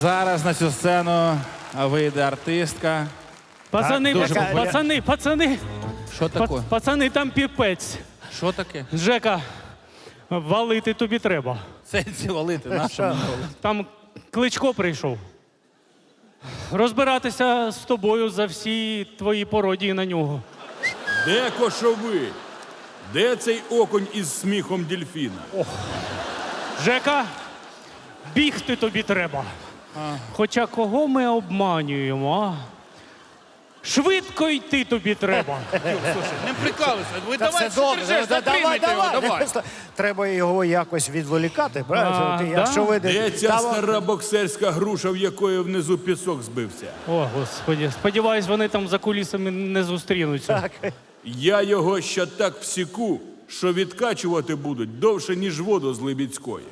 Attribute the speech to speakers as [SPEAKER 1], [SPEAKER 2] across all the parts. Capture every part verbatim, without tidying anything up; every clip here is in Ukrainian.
[SPEAKER 1] Зараз на цю сцену вийде артистка.
[SPEAKER 2] Пацани,
[SPEAKER 1] дуже
[SPEAKER 2] пац-
[SPEAKER 1] популярна.
[SPEAKER 2] пацани, пацани,
[SPEAKER 1] Що таке?
[SPEAKER 2] па- пацани, там піпець.
[SPEAKER 1] Що таке?
[SPEAKER 2] Жека, валити тобі треба.
[SPEAKER 1] Сенсі валити, наша.
[SPEAKER 2] Там Кличко прийшов. Розбиратися з тобою за всі твої пародії на нього.
[SPEAKER 3] Де кошовий? Де цей окунь із сміхом дельфіна?
[SPEAKER 2] Жека, бігти тобі треба. Хоча кого ми обманюємо, а? Швидко йти тобі треба.
[SPEAKER 1] Не прикалуйся. Ви
[SPEAKER 4] Та
[SPEAKER 1] давай,
[SPEAKER 4] все
[SPEAKER 1] що
[SPEAKER 4] добре,
[SPEAKER 1] держиш,
[SPEAKER 4] да- давай,
[SPEAKER 1] затримайте його,
[SPEAKER 4] давай.
[SPEAKER 1] давай.
[SPEAKER 4] Треба його якось відволікати, правильно?
[SPEAKER 2] А,
[SPEAKER 4] От
[SPEAKER 2] да?
[SPEAKER 4] Якщо ви
[SPEAKER 3] Де ця
[SPEAKER 4] Та-
[SPEAKER 3] стара боксерська груша, в якої внизу пісок збився?
[SPEAKER 2] О, Господі, сподіваюсь, вони там за кулісами не зустрінуться.
[SPEAKER 4] Так.
[SPEAKER 3] Я його ще так всіку, що відкачувати будуть довше, ніж воду з Либідської.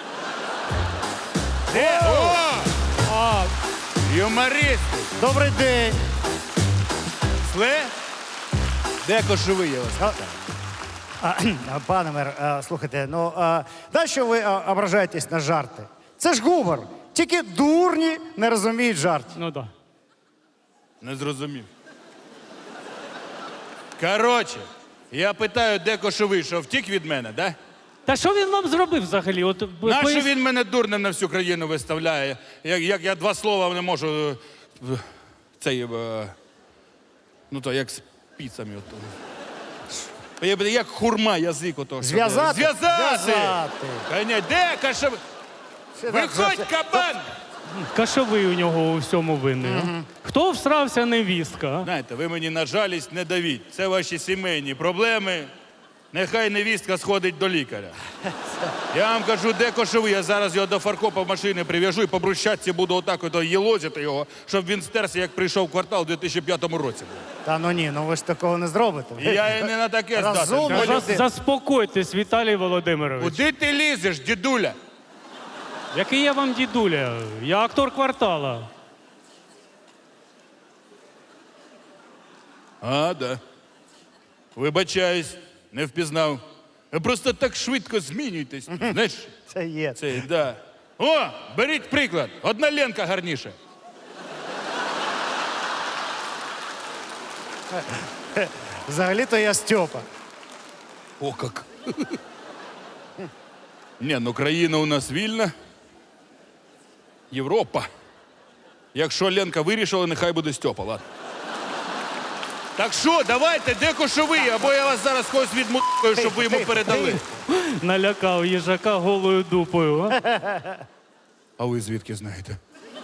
[SPEAKER 1] Юморист.
[SPEAKER 4] Добрий день.
[SPEAKER 1] Сле? Де кошовий я вас?
[SPEAKER 4] А, а, Пане мер, а, слухайте, ну а, да, що ви а, ображаєтесь на жарти? Це ж гумор. Тільки дурні не розуміють жарт.
[SPEAKER 2] Ну так.
[SPEAKER 1] Не зрозумів. Коротше, я питаю, де кошовий, що втік від мене, да?
[SPEAKER 2] Та що він вам зробив взагалі? От, б-
[SPEAKER 1] Нащо
[SPEAKER 2] пояс-
[SPEAKER 1] він мене дурним на всю країну виставляє? Як, як я два слова не можу. е, в- Цей. е, Ну то як з піцами. Ото. Я б- Як хурма язик ото. щоб-
[SPEAKER 4] Зв'язати?
[SPEAKER 1] Зв'язати!
[SPEAKER 4] Зв'язати.
[SPEAKER 1] Коня, де кошовий? Виходь, кабан!
[SPEAKER 2] Кашовий у нього у всьому винний. а? Хто всрався невістка? а?
[SPEAKER 1] Знаєте, ви мені на жалість не давіть. Це ваші сімейні проблеми. Нехай невістка сходить до лікаря. Я вам кажу, де кошовий, я зараз його до фаркопа в машини прив'яжу і по брусчатці буду отак ото єлозити його, щоб він стерся, як прийшов в квартал у дві тисячі п'ятому році.
[SPEAKER 4] Та ну ні, ну ви ж такого не зробите.
[SPEAKER 1] І я і не на таке здатен.
[SPEAKER 4] Розумно.
[SPEAKER 2] Та
[SPEAKER 4] люди-
[SPEAKER 2] зас- Заспокойтесь, Віталій Володимирович.
[SPEAKER 1] Куди ти лізеш, дідуля?
[SPEAKER 2] Який я вам дідуля? Я актор квартала.
[SPEAKER 1] А, да. Вибачаюсь, не впізнав. Ви просто так швидко змінюєтесь. Знаєш,
[SPEAKER 4] Це є.
[SPEAKER 1] це, да. О, беріть приклад. Одна Ленка гарніша.
[SPEAKER 4] Взагалі-то я Стьопа.
[SPEAKER 1] О, как. Ні, ну країна у нас вільна. Європа. Якщо Ленка вирішила, нехай буде Стьопа, ладно. Так що, давайте, де кошовий, або я вас зараз когось відмукаю, щоб ви йому
[SPEAKER 4] Тихо,
[SPEAKER 1] передали.
[SPEAKER 4] тихо.
[SPEAKER 2] Налякав їжака голою дупою. а?
[SPEAKER 1] А ви звідки знаєте?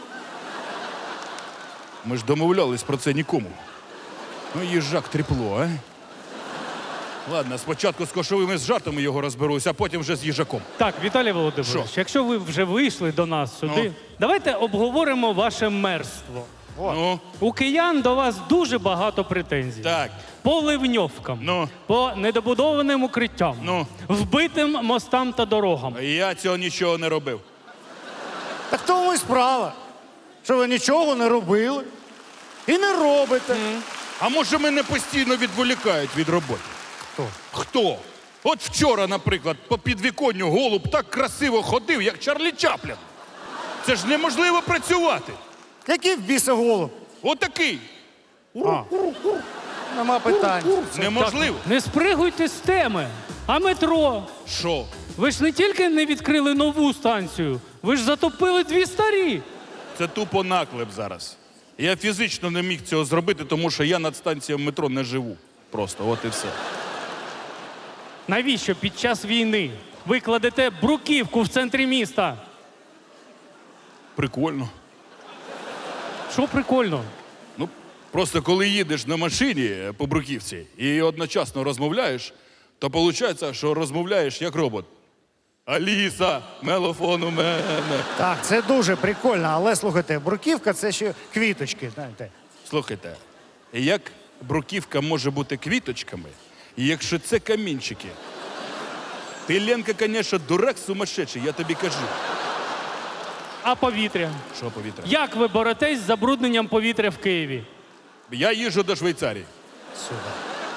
[SPEAKER 1] Ми ж домовлялись про це нікому. Ну, їжак тріпло, а? Ладно, спочатку з кошовими з жартами його розберусь, а потім вже з їжаком.
[SPEAKER 2] Так, Віталій Володимирович,
[SPEAKER 1] Що?
[SPEAKER 2] якщо ви вже вийшли до нас сюди,
[SPEAKER 1] Ну?
[SPEAKER 2] давайте обговоримо ваше мерство.
[SPEAKER 1] Ну,
[SPEAKER 2] У киян до вас дуже багато претензій.
[SPEAKER 1] так.
[SPEAKER 2] По ливньовкам,
[SPEAKER 1] Ну?
[SPEAKER 2] по недобудованим укриттям,
[SPEAKER 1] Ну?
[SPEAKER 2] вбитим мостам та дорогам.
[SPEAKER 1] Я цього нічого не робив.
[SPEAKER 4] Так в тому і справа. Що ви нічого не робили і не робите.
[SPEAKER 1] А може мене постійно відволікають від роботи?
[SPEAKER 4] Хто?
[SPEAKER 1] Хто? От вчора, наприклад, по підвіконню голуб так красиво ходив, як Чарлі Чаплін. Це ж неможливо працювати.
[SPEAKER 4] Який в біса голуб?
[SPEAKER 1] Отакий.
[SPEAKER 4] А. Нема питань.
[SPEAKER 1] Неможливо.
[SPEAKER 2] Не спригуйте з теми. А метро?
[SPEAKER 1] Що?
[SPEAKER 2] Ви ж не тільки не відкрили нову станцію, ви ж затопили дві старі.
[SPEAKER 1] Це тупо наклеп зараз. Я фізично не міг цього зробити, тому що я над станцією метро не живу. Просто, от і все.
[SPEAKER 2] Навіщо під час війни ви кладете бруківку в центрі міста?
[SPEAKER 1] Прикольно.
[SPEAKER 2] Що прикольно?
[SPEAKER 1] Ну, просто коли їдеш на машині по бруківці і одночасно розмовляєш, то виходить, що розмовляєш як робот. Аліса, мелофон у мене.
[SPEAKER 4] Так, це дуже прикольно, але слухайте, бруківка це ще квіточки, знаєте.
[SPEAKER 1] Слухайте, як бруківка може бути квіточками, якщо це камінчики? Ти, Ленка, звісно, дурак сумасшедший, я тобі кажу.
[SPEAKER 2] А повітря?
[SPEAKER 1] Що повітря?
[SPEAKER 2] Як ви боретесь з забрудненням повітря в Києві?
[SPEAKER 1] Я їжджу до Швейцарії.
[SPEAKER 4] Сюди.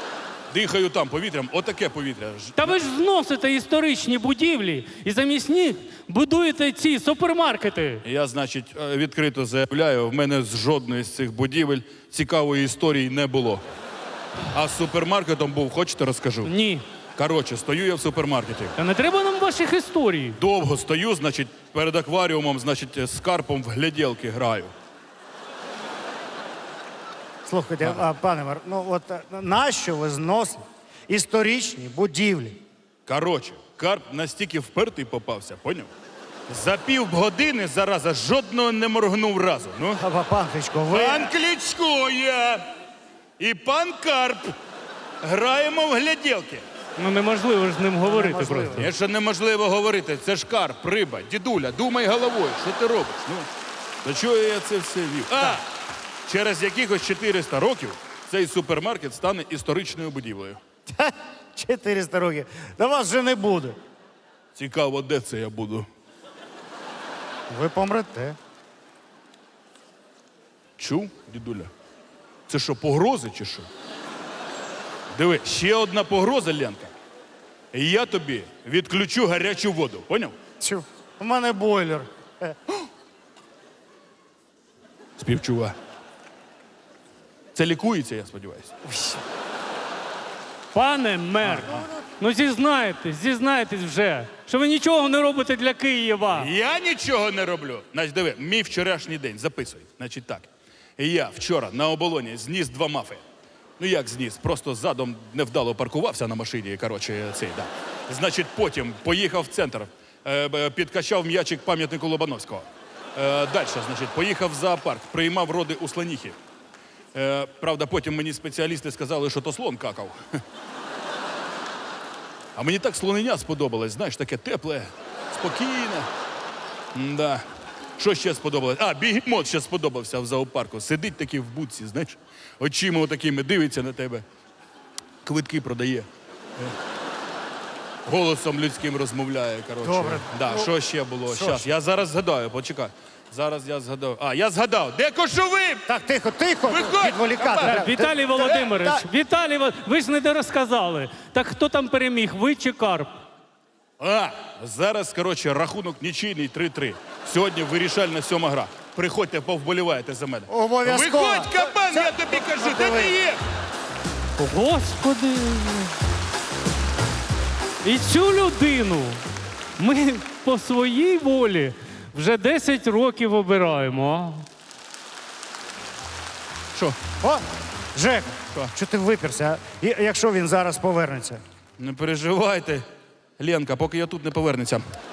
[SPEAKER 1] Дихаю там повітрям, отаке повітря. Ж-
[SPEAKER 2] Та ви ж зносите історичні будівлі і замість них будуєте ці супермаркети.
[SPEAKER 1] Я, значить, е, відкрито заявляю, в мене з жодної з цих будівель цікавої історії не було. А з супермаркетом був, хочете розкажу?
[SPEAKER 2] Ні.
[SPEAKER 1] Коротше, стою я в супермаркеті.
[SPEAKER 2] Та не треба нам ваших історій.
[SPEAKER 1] Довго стою, значить, перед акваріумом, значить, з карпом в гляделки граю.
[SPEAKER 4] Слухайте, а, пане мер, ну от е, нащо ви зносите історичні будівлі?
[SPEAKER 1] Коротше, карп настільки впертий попався, поняв? За півгодини, зараза, жодного не моргнув разу. Ну.
[SPEAKER 4] А, пан Кличко, ви...
[SPEAKER 1] Пан Кличко я і пан Карп граємо в гляделки.
[SPEAKER 2] Ну неможливо ж з ним говорити
[SPEAKER 4] Неможливо.
[SPEAKER 2] просто.
[SPEAKER 1] Є, що неможливо говорити, це ж карп, риба, дідуля, думай головою, що ти робиш? Ну, до чого я це все вів? А, через якихось чотириста років цей супермаркет стане історичною будівлею.
[SPEAKER 4] Ха, чотириста років. До вас вже не буде.
[SPEAKER 1] Цікаво, де це я буду?
[SPEAKER 4] Ви помрете.
[SPEAKER 1] Чув, дідуля? Це що, погрози чи що? Диви, ще одна погроза, Ленка. І я тобі відключу гарячу воду, поняв?
[SPEAKER 4] Чу, у мене бойлер. Е,
[SPEAKER 1] Співчува. Це лікується, я сподіваюся.
[SPEAKER 2] Пане мер, ну зізнайтесь, зізнайтесь вже, що ви нічого не робите для Києва.
[SPEAKER 1] Я нічого не роблю. Значить, диви, мій вчорашній день, записуй. Значить так. Я вчора на оболоні зніс два мафи. Ну як зніс? Просто задом невдало паркувався на машині, коротше, цей, да. Значить, потім поїхав в центр, е, б- підкачав м'ячик пам'ятнику Лобановського. Е, Далі, значить, поїхав в зоопарк, приймав роди у слоніхи. Е, правда, потім мені спеціалісти сказали, що то слон какав. А мені так слонення сподобалось, знаєш, таке тепле, спокійне. Да. Що ще сподобалось? А, бігемот ще сподобався в зоопарку. Сидить такий в будці, знаєш, очима отакими дивиться на тебе. Квитки продає. Е. Голосом людським розмовляє, коротше.
[SPEAKER 4] Добре.
[SPEAKER 1] Да,
[SPEAKER 4] Ну,
[SPEAKER 1] що ще було?
[SPEAKER 4] що
[SPEAKER 1] Щас,
[SPEAKER 4] ж?
[SPEAKER 1] я зараз згадаю, почекай. Зараз я згадав. А, я згадав. Де кошовий?
[SPEAKER 4] Так, тихо, тихо,
[SPEAKER 1] Виходь!
[SPEAKER 4] відволікати.
[SPEAKER 1] Давай.
[SPEAKER 4] Та-
[SPEAKER 2] Віталій
[SPEAKER 4] та-
[SPEAKER 2] Володимирович,
[SPEAKER 4] та-
[SPEAKER 2] Віталій, Вол- ви ж не дорозказали. Так хто там переміг, ви чи Карп?
[SPEAKER 1] А, зараз, коротше, рахунок нічийний три-три. Сьогодні вирішальна сьома гра. Приходьте, повболіваєте за мене.
[SPEAKER 4] Обов'язково.
[SPEAKER 1] Виходь, кабан, я тобі кажу, де
[SPEAKER 4] диви.
[SPEAKER 1] ти є?
[SPEAKER 2] Господи. І цю людину ми по своїй волі вже десять років обираємо. а?
[SPEAKER 1] Що?
[SPEAKER 4] О, Жек,
[SPEAKER 1] Що?
[SPEAKER 4] що ти виперся, а? І- якщо він зараз повернеться?
[SPEAKER 1] Не переживайте, Ленка, поки я тут не повернеться.